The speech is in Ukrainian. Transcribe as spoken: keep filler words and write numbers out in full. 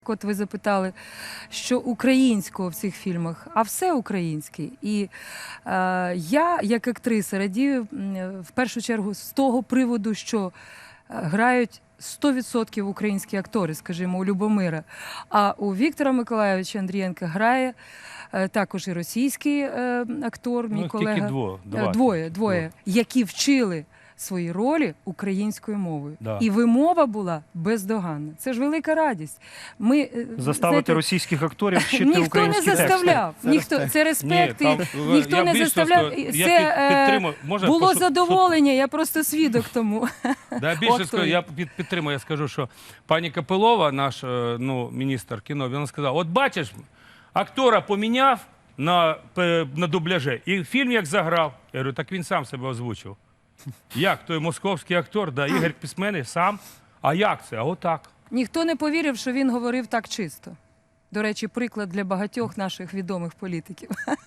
От ви запитали, що українського в цих фільмах, а все українське. І е, я, як актриса, радію в першу чергу з того приводу, що грають сто відсотків українські актори, скажімо, у Любомира. А у Віктора Миколайовича Андрієнка грає е, також і російський е, актор, мій ну, колега. Тільки дво, два. Двоє, двоє, які вчили свої ролі українською мовою. Да. І вимова була бездоганна. Це ж велика радість. Ми, Заставити знаєте, російських акторів вчити ніхто українські не заставляв. тексти. Ніхто, це респект. Ні, і там, ніхто я не більше заставляв. скажу, я Це під- е, підтримую. Можна було пошу- задоволення, я просто свідок тому. Да, більше От скажу, той. я під- підтримую, я скажу, що пані Капилова, наш е, ну, міністр кіно, вона сказала, от бачиш, актора поміняв на, пе- на дубляже, і фільм як заграв. Я говорю, так він сам себе озвучив. Як? Той московський актор, да, Ігор Пісменний сам. А як це? А отак. Ніхто не повірив, що він говорив так чисто. До речі, приклад для багатьох наших відомих політиків.